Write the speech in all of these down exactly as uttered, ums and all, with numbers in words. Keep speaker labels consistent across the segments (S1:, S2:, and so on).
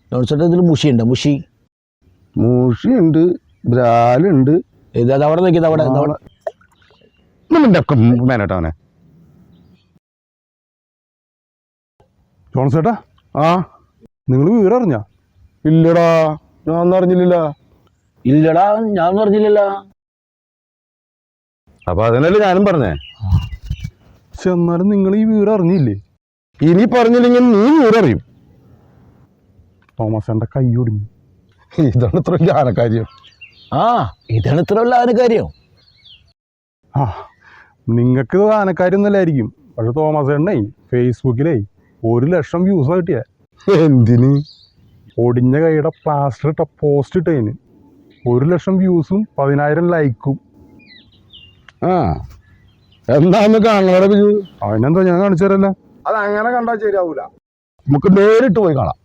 S1: ജോൺസേട്ടാ ഇതിൽ മുഷി ഉണ്ട് മുഷി
S2: മൂഷിയുണ്ട് ബ്രാലുണ്ട്.
S1: ഇത് അത് അവിടെ നിൽക്കുന്നത് അവിടെ
S2: മേനോട്ടവനെ
S3: ജോൺസേട്ടാ,
S2: ആ
S3: നിങ്ങൾ വിവരം അറിഞ്ഞ?
S2: ഇല്ലടാ, ഞാൻ ഒന്നും അറിഞ്ഞില്ല.
S1: ഇല്ലടാ ഞാൻ പറഞ്ഞില്ലല്ല.
S2: അപ്പൊ അതിനല്ലേ ഞാനും പറഞ്ഞേ.
S3: പക്ഷെ എന്നാലും നിങ്ങൾ ഈ വിവരം അറിഞ്ഞില്ലേ?
S2: ഇനി പറഞ്ഞില്ലെങ്കിൽ നീ വിവരം അറിയും.
S3: തോമസ് എന്റെ കൈ ഒടിഞ്ഞു.
S2: ഇതാണ് ഇത്ര ജ്ഞാനക്കാര്യം.
S1: ആ ഇതാണ് ഇത്ര ഉള്ള ആനക്കാര്യം.
S3: ആ നിങ്ങൾക്ക് ആനക്കാര്യം ഒന്നല്ലായിരിക്കും, പക്ഷെ തോമസ് എണ്ണേ ഫേസ്ബുക്കിലേ ഒരു ലക്ഷം വ്യൂസ് കിട്ടിയ.
S2: എന്തിന്?
S3: ഒടിഞ്ഞ കൈയുടെ പ്ലാസ്റ്റർ ഇട്ട പോസ്റ്റ് ഇട്ടതിന് ഒരു ലക്ഷം വ്യൂസും പതിനായിരം ലൈക്കും.
S2: ആ എന്താന്ന് കാണണ ബിജു?
S3: അതിനെന്താ ഞാൻ കാണിച്ചു തരല്ല.
S2: അത് അങ്ങനെ കണ്ടാൽ ശരിയാവൂല, നമുക്ക് നേരിട്ട് പോയി കാണാം.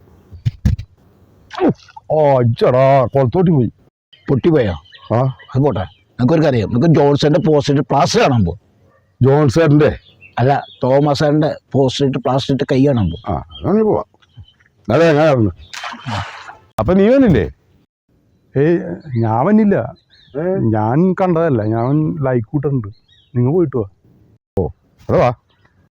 S2: ഓ അച്ചടാ, കൊളത്തോട്ടി പോയി.
S1: പൊട്ടിപ്പോയോ?
S2: ആ
S1: അത് പോട്ടെ, നമുക്കൊരു കാര്യം, നമുക്ക് ജോൺസന്റെ പോസ്റ്റ് പ്ലാസ്റ്റർ കാണാൻ പോകും.
S2: ജോൺസേട്ടൻ്റെ
S1: അല്ല, തോമസാറിന്റെ പോസ്റ്റ് ഇട്ട് പ്ലാസ്റ്റർ ഇട്ട് കൈ കാണാൻ പോകും.
S2: ആ അങ്ങനെ പോവാം. അതെ അങ്ങനെ. അപ്പൊ നീ വന്നില്ലേ?
S3: ഏയ് ഞാൻ വന്നില്ല, ഞാൻ കണ്ടതല്ല, ഞാൻ ലൈക്ക് കൂട്ടുണ്ട്. നിങ്ങൾ പോയിട്ട് വാ.
S2: ഓ അതെ വാ.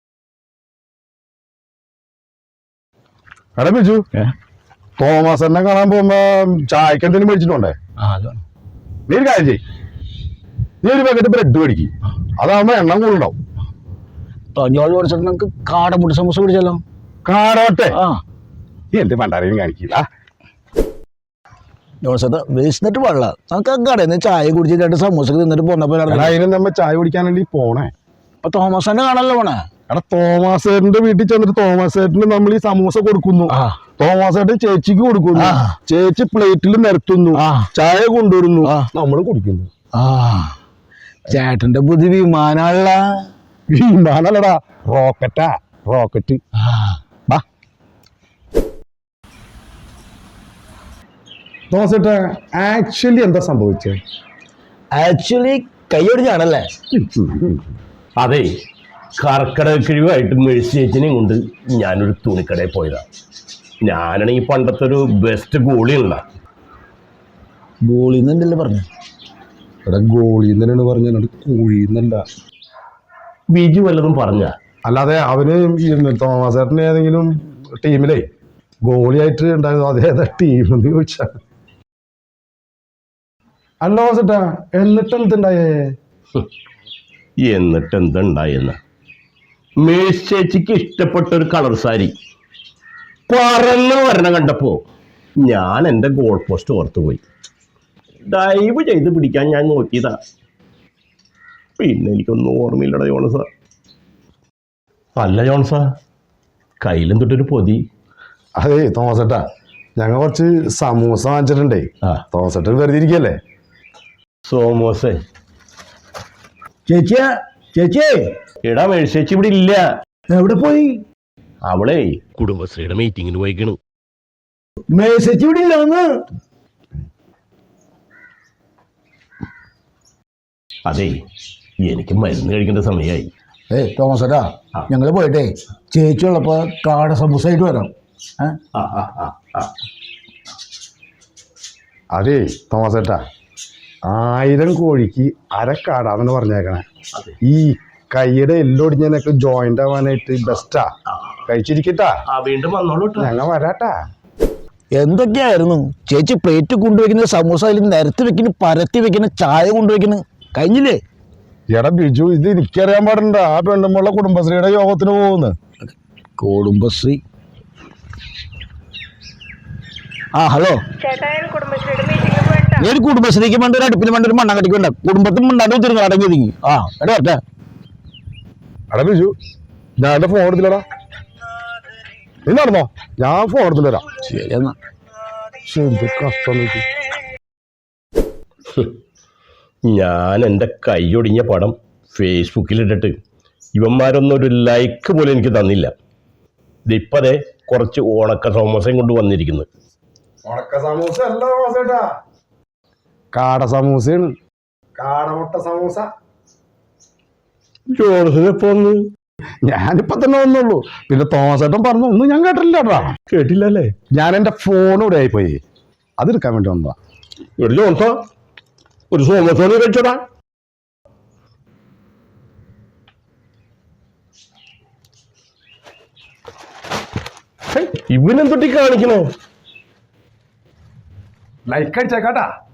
S2: എടാ ബിജു, തോമസ് എന്നെ കാണാൻ പോകുമ്പോ ചായക്ക് എന്തെങ്കിലും മേടിച്ചിട്ടുണ്ടേ? നീ ഒരു കാര്യം ചെയ്യ്, നീ ഒരു പാക്കറ്റ് ബ്രെഡ് മേടിക്കും, അതാകുമ്പോ എണ്ണം കൂടുതലുണ്ടാവും.
S1: ജോൾ മേടിച്ചിട്ട് നമുക്ക് കാടമുട്ടി സമൂസ പിടിച്ചല്ലോ.
S2: കാടോട്ടെ
S1: ആ
S2: നീ എന്ത് പണ്ടാരെയും കാണിക്കില്ല.
S1: ജോൺസേട്ടാ വേസ്റ്റിട്ട് വെള്ളം നമുക്ക് ആ കടയിൽ നിന്ന് ചായ കുടിച്ചിട്ട് രണ്ട് സമൂസ തിന്നിട്ട് പോന്നപ്പോ
S2: അതിന് നമ്മ ചായ കുടിക്കാനല്ലേ പോണേ.
S1: അപ്പൊ തോമസാന്റെ കാണാനല്ലോ പോണേ.
S2: എടാ തോമാസേട്ടന്റെ വീട്ടിൽ ചെന്നിട്ട് തോമാസേട്ടന് നമ്മൾ ഈ സമൂസ കൊടുക്കുന്നു, തോമാസേട്ടൻ ചേച്ചിക്ക് കൊടുക്കുന്നു, ചേച്ചി പ്ലേറ്റിൽ നിരത്തുന്നു, ചായ കൊണ്ടുവരുന്നു, നമ്മൾ കുടിക്കുന്നു.
S1: ആ ചേട്ടന്റെ ബുദ്ധി വിമാനമുള്ള.
S2: വിമാനല്ലടാ, റോക്കറ്റാ, റോക്കറ്റ്. തോമസേട്ട ആക്ച്വലി എന്താ സംഭവിച്ചത്?
S1: ആക്ച്വലി കൈയൊടിഞ്ഞാണല്ലേ?
S4: അതെ, കർക്കിടക കിഴിവായിട്ട് മേഴ്സി ചേച്ചിനെയും കൊണ്ട് ഞാനൊരു തുണിക്കടയിൽ പോയതാണ്. ഞാനാണെങ്കിൽ പണ്ടത്തെ ഒരു ബെസ്റ്റ് ഗോളിയുള്ള
S1: ഗോളിന്നല്ലേ പറഞ്ഞു.
S2: എടാ ഗോളിന്നല്ലാണ് പറഞ്ഞത്, കോഴിന്നല്ല.
S4: ബിജു വല്ലതും പറഞ്ഞ?
S2: അല്ലാതെ അവന് തോമസേട്ടന് ഏതെങ്കിലും ടീമിലേ ഗോളിയായിട്ട് ഉണ്ടായിരുന്നു, അതേതാ ടീം എന്ന് ചോദിച്ചാ. അല്ല തോമസേട്ടാ, എന്നിട്ട് എന്തുണ്ടായേ?
S4: എന്നിട്ട് എന്തുണ്ടായെന്ന്, മേഴ്സി ചേച്ചിക്ക് ഇഷ്ടപ്പെട്ട ഒരു കളർ സാരി പറന്ന് വരണം കണ്ടപ്പോ ഞാൻ എൻ്റെ ഗോൾ പോസ്റ്റ് ഓർത്തു പോയി. ഡൈവ് ചെയ്ത് പിടിക്കാൻ ഞാൻ നോക്കിയതാ, പിന്നെ എനിക്കൊന്നും ഓർമ്മയില്ലടാ ജോൺസാ. അല്ല ജോൺസാ, കയ്യിലും തൊട്ടൊരു പൊതി.
S2: അതെ തോമസേട്ടാ, ഞങ്ങൾ കുറച്ച് സമൂസ വാങ്ങിച്ചിട്ടുണ്ടേ. തോമസേട്ടൻ വെറുതെ ഇരിക്കല്ലേ.
S4: സോമോസേ
S1: ചേച്ചിയാ, ചേച്ചിയേ,
S4: എടാ മേഴ്സി ചേച്ചി ഇവിടെ ഇല്ല.
S1: എവിടെ പോയി?
S4: അവളെ കുടുംബശ്രീയുടെ മീറ്റിങ്ങിന് പോയിക്കണു.
S1: മേഴ്സി ഇവിടെ ഇല്ലാന്ന്.
S4: അതെ, എനിക്ക് മരുന്ന് കഴിക്കേണ്ട സമയമായി.
S1: ഏ തോമസേട്ടാ, ഞങ്ങള് പോയിട്ടേ ചേച്ചി ഉള്ളപ്പോ കാട സമൂസ ആയിട്ട് വരാം.
S2: അതെ തോമസേട്ടാ, ആയിരം കോഴിക്ക് അരക്കാടാന്ന് പറഞ്ഞേക്കണേ. ഈ കൈയുടെ എല്ലൊടിഞ്ഞതിനൊക്കെ ജോയിന്റ് ആവാനായിട്ട് ബെസ്റ്റാ. കഴിച്ചിരിക്കട്ടാ,
S4: വീണ്ടും വന്നോളൂ,
S2: ഞങ്ങൾ വരാട്ടാ.
S1: എന്തൊക്കെയായിരുന്നു ചേച്ചി പ്ലേറ്റ് കൊണ്ടുവയ്ക്കുന്ന സമൂസ, അതിൽ നിരത്തി വെക്കുന്നു, പരത്തി വെക്കുന്ന, ചായ കൊണ്ടുവയ്ക്കുന്നു, കഴിഞ്ഞില്ലേ?
S2: എടാ ബിജു, ഇത് എനിക്കറിയാൻ പാടുണ്ട. ആ പെണ്ണുമ്പുള്ള കുടുംബശ്രീയുടെ യോഗത്തിന് പോകുന്നു.
S1: കുടുംബശ്രീ? ആ ഹലോ, ഞാൻ കുടുംബശ്രീക്ക് വേണ്ട ഒരു അടുപ്പിന് വേണ്ട ഒരു മണ്ണാങ്കട്ടിക്ക് വേണ്ട കുടുംബത്തിൽ മണ്ണാണ്ട് തിരിഞ്ഞു അടങ്ങി തിങ്ങി. ആ എടാ വരട്ടെ.
S2: എടാ ബിജു, ഞാൻ എന്റെ ഫോൺ എടുത്തില്ലടാ. നീ നടന്നോ, ഞാൻ ഫോൺ എടുത്തില്ല തരാം.
S1: ശരി എന്നാ.
S2: എന്ത് കഷ്ടം.
S4: ഞാൻ എൻ്റെ കൈയൊടിഞ്ഞ പടം ഫേസ്ബുക്കിലിട്ടിട്ട് ഇവന്മാരൊന്നും ഒരു ലൈക്ക് പോലും എനിക്ക് തന്നില്ല. ഇതിപ്പതേ കുറച്ച് ഉണക്ക സമൂസയും കൊണ്ട് വന്നിരിക്കുന്നു.
S2: ഉണക്ക സമൂസ അല്ല തോമസേട്ടാ, കാട സമൂസയാണ്. കാടമുട്ട സമൂസ.
S4: ജോൺസൺ എപ്പോ വന്ന്?
S2: ഞാനിപ്പോ തന്നെ വന്നുള്ളൂ. പിന്നെ തോമസ് ഏട്ടൻ പറഞ്ഞു ഒന്നും ഞാൻ കേട്ടില്ലടാ.
S4: കേട്ടില്ലല്ലേ?
S2: ഞാൻ എന്റെ ഫോൺ ഇവിടെ ആയിപ്പോയി, അതെടുക്കാൻ വേണ്ടി വന്നതാ.
S4: ഒരു ചോട്ടോ ഒരു സോമസോണി കഴിച്ചോടാ. ഇവനെന്തൊട്ടി കാണിക്കണേ?
S3: ലൈക്ക് അടിച്ചേക്കാട്ടാ.